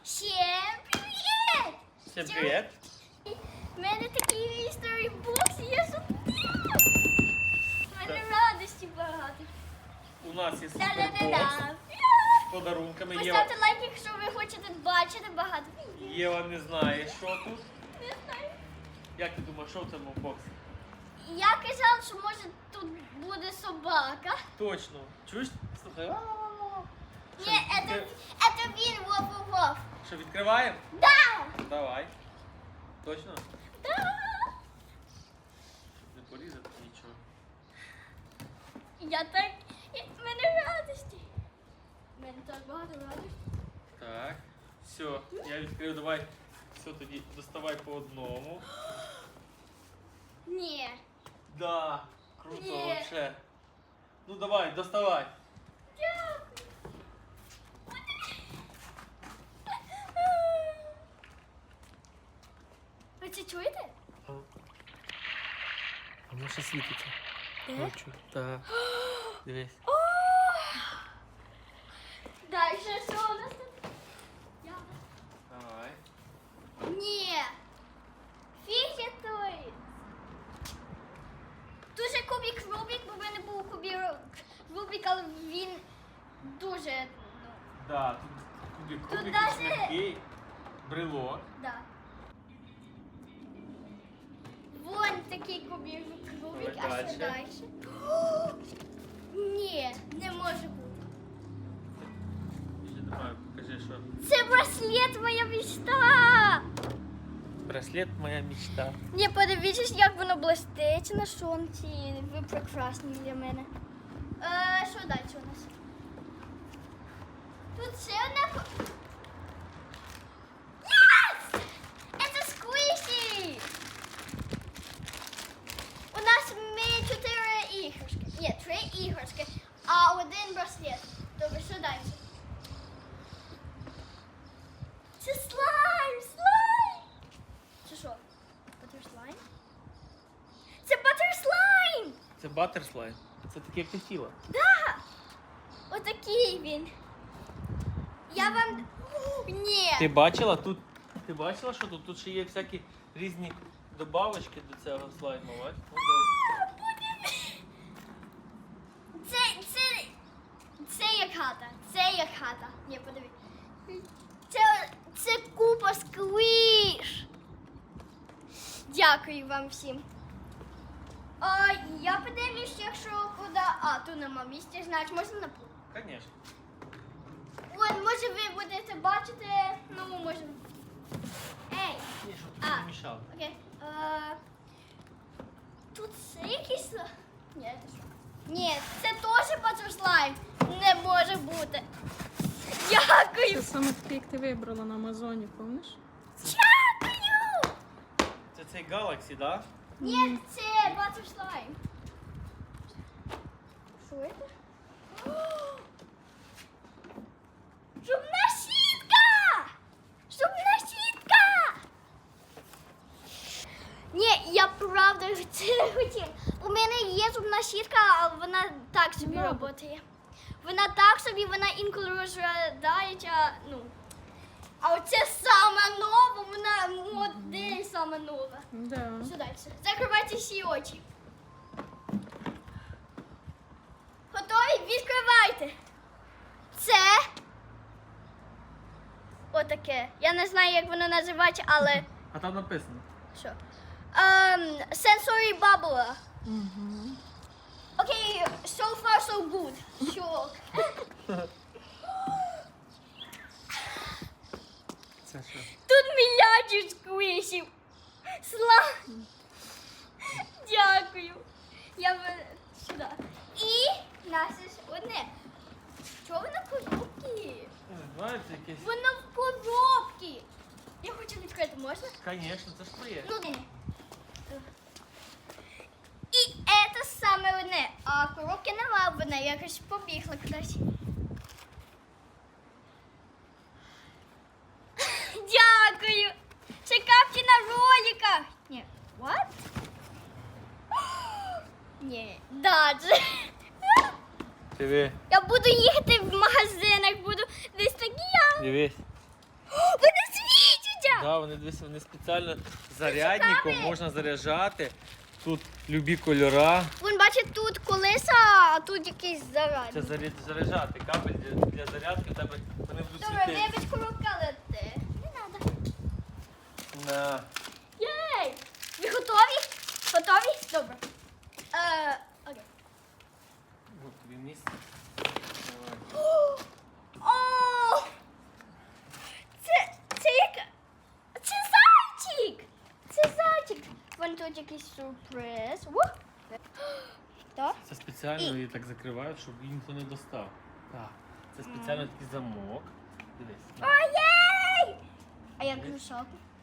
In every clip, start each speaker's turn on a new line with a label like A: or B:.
A: Всем привет!
B: Всем привет!
A: У мене такий історій бокс, я зубрила. У мене радості багато.
B: У нас є супербокс
A: Да-да-да-да.
B: з подарунками.
A: Поставте лайк, якщо ви хочете бачити багато.
B: Єва не знає, що тут.
A: Не знаю.
B: Як ти думаєш, що в цьому боксі?
A: Я казала, що може тут буде собака.
B: Точно. Чуєш? Слухай.
A: Ні, це він, вов-вов-вов.
B: Що, відкриваємо?
A: Да!
B: Давай. Точно?
A: Да!
B: Щоб не порізати нічого.
A: Я так... В мене радості. В мене так багато радості.
B: Так. Все, я відкрив, давай. Все, тоді доставай по одному.
A: Ні.
B: Да, круто,
A: Ні.
B: вообще. Ну давай, доставай.
A: Дякую. Ви це чуєте?
B: Воно ще світиться. Хочу. Так. Дивись.
A: Дальше що у нас тут?
B: Давай.
A: Ні. Фіг той. Дуже кубик Рубік, бо в мене був кубик Рубік, але він дуже, ну,
B: Да, тут кубик,
A: Тут
B: кубик
A: даже-
B: м'який, брелок.
A: да. Вон такий кубик Рубік, а
B: Давай
A: що
B: дальше.
A: далі? Ні, не може бути.
B: Ще давай, покажи, що.
A: Це браслет моя мечта.
B: Браслет моя мечта.
A: Ні, подивіться, як воно блистить на сонці. Ви прекрасні для мене. Що далі у нас? Тут ще одна... Yes! Це сквіші! У нас ми 4 іграшки. Ні, 3 іграшки, а 1 браслет. Добре, що далі? Це слайм! Слайм! Це що? Батерслайм? Це батерслайм!
B: Це батерфлай. Це таке, як ти хотіла.
A: Да! Отакий він. Я вам... Ні!
B: Ти бачила тут? Ти бачила, що тут? Тут ще є всякі різні добавочки до цього слайму, бач? Ну, добре.
A: Це як хата. Це як хата. Ні, подивись. Це купа сквіш. Дякую вам всім. Я подивлюсь, якщо куди... Тут нема місця, значить можна на пол.
B: Конечно.
A: Вон, може ви будете бачити, ну, може... Ей,
B: Ні, щоб тобі не мішало.
A: окей. Тут це якийсь... Ні, це що? Ні, це теж батерслайм. Не може бути. Дякую.
C: Це саме такий, як ти вибрала на Амазоні, помниш?
A: Дякую.
B: Це цей Galaxy, да?
A: Ні, це батерслайм. Що це? Зубна щітка! Зубна щітка! Ні, я правда це хотіла. У мене є зубна щітка, але вона так собі
C: Добре.
A: працює. Вона так собі, вона інколи розглядається, ну. А оце саме нова, вона модель саме нова.
C: Да.
A: Що далі? Закривайте всі очі. Готові? Відкривайте. Це отаке. Я не знаю, як воно називається, але
B: А там написано.
A: що? Sensory bubble.
C: Угу.
A: Окей, so far so good. Що?
B: Це що?
A: Тут мільярдів сквішів. Дякую. Сюди. І наше ж одне. Чого воно в коробці?
B: Не знаю, це якесь.
A: Воно в коробці. Я хочу відкрити, можна?
B: Конечно, це ж твоє.
A: Ну, ні. І це саме одне. А коробки нема, вона якось побігла кудись. Дякую. Чекавте на роликах. Ні, what? Ні, даже.
B: Диви,
A: Я буду їхати в магазинах, буду десь такі я.
B: дивись.
A: Ви
B: Да, вони дивися, вони спеціально зарядником можна заряджати. Тут любі кольора.
A: Вон, бачить, тут колеса, а тут якийсь
B: Це
A: зарядник.
B: заряджати кабель для зарядки, в тебе вони будуть
A: Добре,
B: світити.
A: вибач, коробка лети. Не треба.
B: На.
A: Єй! Ви готові? Готові? Добре. Окей.
B: От тобі місце. Давай.
A: О! Це як... Це зайчик! Це зайчик! Вон тут якийсь сюрприз. Так?
B: Це спеціально її так закривають, щоб її ніхто не достав. Так. Це спеціально такий замок. Дивись.
A: Ой-єй! А я кружок.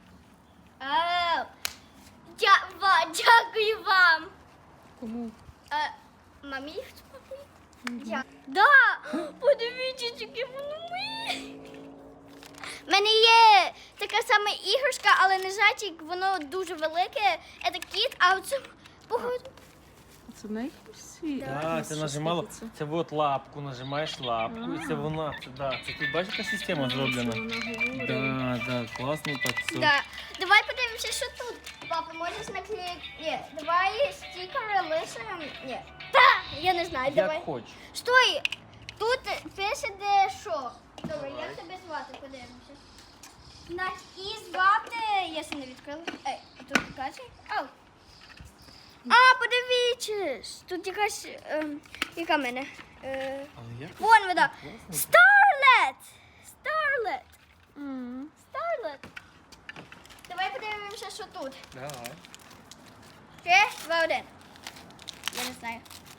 A: Дякую вам.
C: Кому?
A: Мамі хто купив? Да! Подивіться, яке воно моє. У мене є така сама іграшка, але не зайчик, воно дуже велике. Це кіт, а оце походу.
C: Це в неї світ.
B: Так, це нажимало. Це от лапку, нажимаєш лапку, і це вона. Це тут бачиш, яка система зроблена? Да, класно так все.
A: Да. Давай подивимося, що тут. Папа, можеш наклеїти? Ні, давай стікери лишимо. Ні. Та, я не знаю, давай.
B: Як хочеш.
A: Стой! Тут пише де що. Добре, як тебе звати, подивимося. Значить, і звати, я ще не відкрила. Ей, а тут каже? Ау. А, подивіться, тут якась, яка в мене?
B: Але як?
A: Вон вода.
B: Класно.
A: Starlet! Starlet!
C: М.
A: Starlet! Давай подивимося, що тут.
B: Давай.
A: 3, 2, 1. Я не знаю.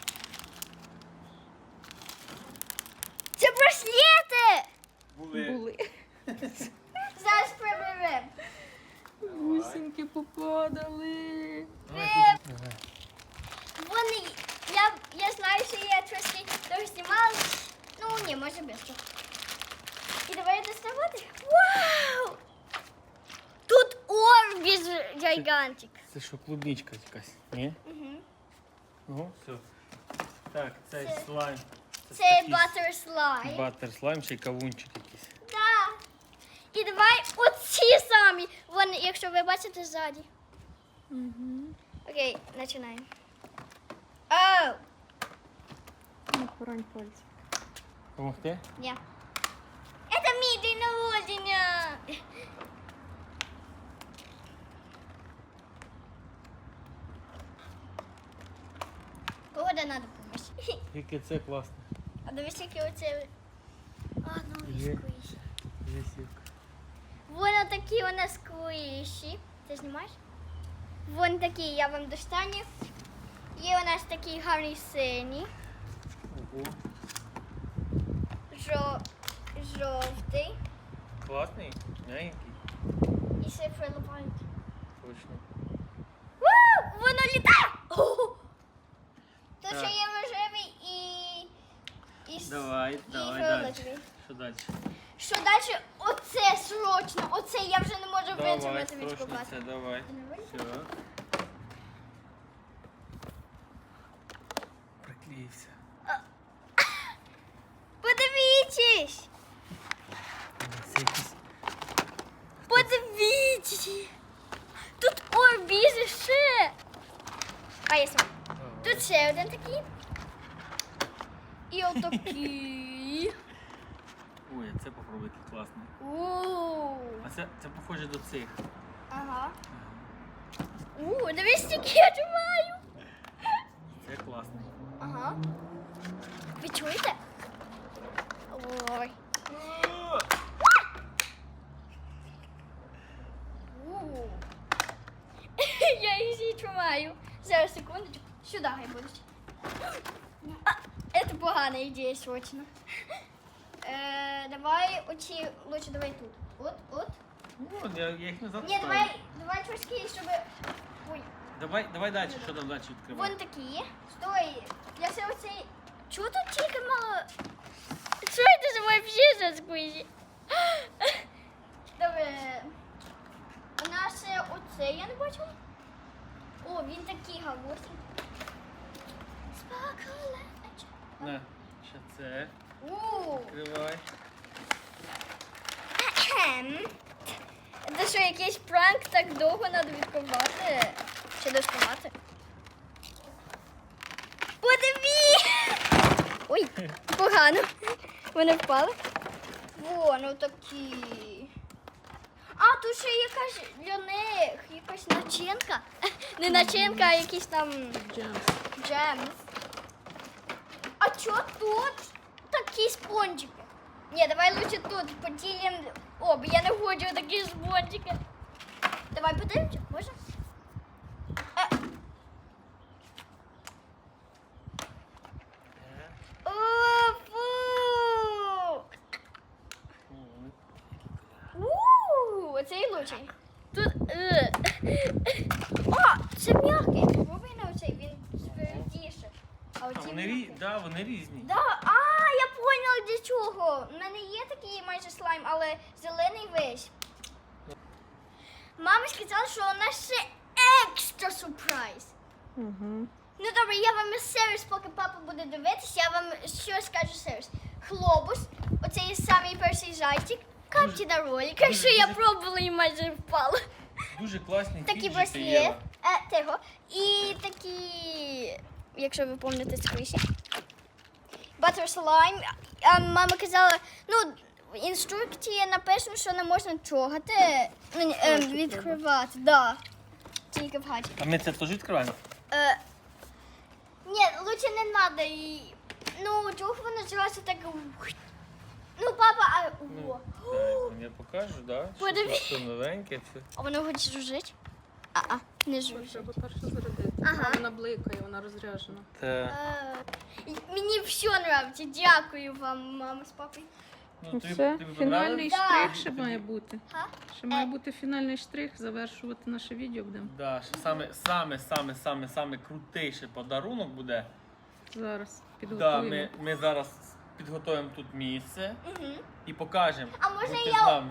A: Це браслети!
C: Були.
A: Зараз приберемо.
C: Бусинки попадали.
B: Давай.
A: Вони, я знаю, що я трошки довго знімала. Ну, ні, може без того. І давай доставати. Вау! Тут орбіз гігантик.
B: Це що, клубничка якась? Ні?
A: Угу.
B: Ну, все. Так, цей
A: Це-
B: слайм.
A: Це
B: такий
A: баттер слайм.
B: Баттер слайм, ще й кавунчик якийсь.
A: Да. І давай оці самі. Вон, якщо ви бачите ззаді.
C: Угу.
A: Окей, починаємо. Оу!
C: Не порань пальці.
B: Помогти?
A: Ні. Це мій день народження. Погода надо допомогти.
B: Яке це класно.
A: А дивись, які оце. А, ну і
B: Є.
A: сквіші.
B: Висівка.
A: Вон такі у нас сквіші. Ти знімаєш? Вон такі, я вам достану. Є у нас такі гарні сині.
B: Ого.
A: Жовтий.
B: Класний, м'ягенький.
A: І ще фрилипають.
B: Точно.
A: Воно літає! О! Тут
B: Так.
A: ще є рожевий і
B: Давай,
A: і
B: давай далі.
A: фіолетовий.
B: Що далі?
A: Що далі? Оце срочно. Оце я вже не можу
B: Давай,
A: витримати від
B: срочно
A: купати.
B: це, давай. Все. Приклеївся.
A: Подивіться!
B: Це якийсь...
A: Подивіться! Тут орбізи ще! А я сам. Тут ще один такий. І отакий.
B: Ой, а це попробуйте, класний.
A: Ууу.
B: А це похоже до цих.
A: Ага. Дивись, скільки я тримаю.
B: Це класний.
A: Ага. Ви чуєте? Ой. У. Я їх всі тримаю. Зараз, секундочку. Сюди хай будуть. Це погана ідея, срочно. Давай оці, лучше давай тут. От.
B: О, я їх назад
A: Ні,
B: ставлю.
A: давай трошки, щоб... Ой.
B: Давай далі, що там далі відкривати?
A: Вон такі. Стой. Я все оцей... Чого тут тільки мало... Що це за вообще за сквізі? Добре. У нас оцей я не бачила. О, він такий гаворний. Споколеч.
B: На, ще це.
A: У.
B: Відкривай.
A: Це що, якийсь пранк так довго треба відкривати? Чи доставати? Подиві! Ой, погано. Вони впали. Во, ну такі. А, тут ще якась для них, якась начинка. Не начинка, а якийсь там джем. А чо тут такі спонжики? Ні, давай лучше тут поділимо. О, бо я не хочу такі спонжики. Давай подивимося, може? О, фу! Оцей лучший. Тут. О, це м'який. Попробуй на оцей, він твердіше. А оці
B: вони різні.
A: Да, я поняла для чого. У мене є такий майже слайм, але зелений весь. Мама сказала, що у нас ще екстра сюрприз.
C: Угу.
A: Ну добре, я вам сервіс, поки папа буде дивитися, я вам що скажу сервіс. Хлобус, оцей самий перший зайчик, капці на роликах, що я пробувала і майже впала.
B: Дуже класні
A: Такі
B: фіджити,
A: браслет,
B: Єва.
A: того, і такі, якщо ви пам'ятаєте з криші. Butter slime. Мама казала, ну, в інструкції написано, що не можна трогати, відкривати, да. Тільки в хаті.
B: А ми це теж відкриваємо?
A: Ні, лучше не треба. Ну, чого воно зразу так. Ну, папа,
B: Ну, я покажу, да? Що
A: Подивись.
B: тут все новеньке. Все.
A: А воно хоче жужить? Не жужить.
C: Треба перше зарядити.
A: Ага.
C: Вона бликає, вона розряджена.
B: Та,
A: Мені все подобається. Дякую вам, мама з папою.
B: ну,
C: Все,
B: тобі
C: фінальний
A: Да.
C: штрих ще має бути.
A: Га?
C: Ще має бути фінальний штрих, завершувати наше відео будемо.
B: Да, що саме крутейший подарунок буде.
C: Зараз
B: Да,
C: підготуємо.
B: ми зараз підготуємо тут місце
A: Угу.
B: і покажемо.
A: А можна
B: Будьте
A: я-
B: з нами.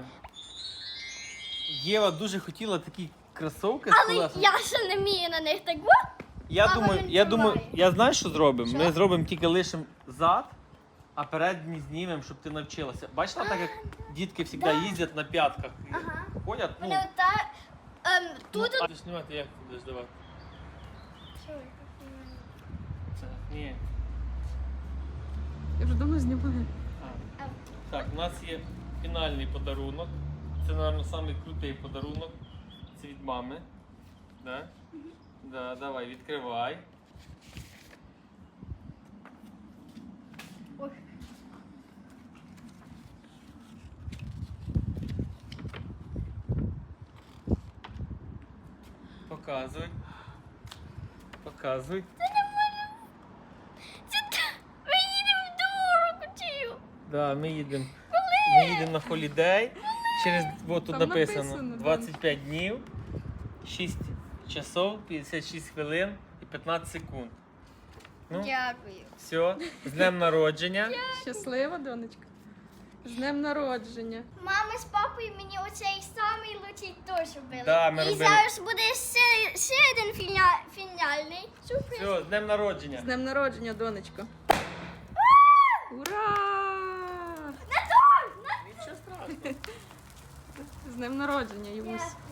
B: Єва дуже хотіла такі кросовки з
A: Але
B: колесами.
A: я ще не вмію на них так.
B: Я
A: Мама
B: думаю,
A: не
B: я думаю,
A: тримає.
B: я знаю, що зробимо.
A: Що?
B: Ми зробимо тільки лишимо зад, а передні знімемо, щоб ти навчилася. Бачила, так як дітки завжди їздять на п'ятках.
A: Ага.
B: Ходять, ну,
A: Вони отак. Тут.
B: ну, а ти знімати як ти будеш давати? Ні.
C: Я вже давно знімаю.
B: А. Так, у нас є фінальний подарунок. Це, мабуть, самий крутий подарунок. Це від мами. Да? Да, давай, відкривай.
A: Ой.
B: Показуй. Показуй.
A: Ми їдемо в дорогу.
B: Да, ми їдемо. Ми їдемо на холідей. Через от тут
C: Там
B: написано
C: написано, да.
B: 25 днів, 6 часов, 56 хвилин і 15 секунд. Ну,
A: Дякую.
B: все, з днем народження.
C: Щаслива, донечка. З днем народження.
A: Мама з папою мені оцей самий лучший теж робили.
B: Да, ми
A: І
B: робили.
A: зараз буде ще один фінальний сюрприз.
B: Все, з днем народження.
C: З днем народження, донечко. Ура!
B: Нічого страшного.
C: З днем народження, Юсь.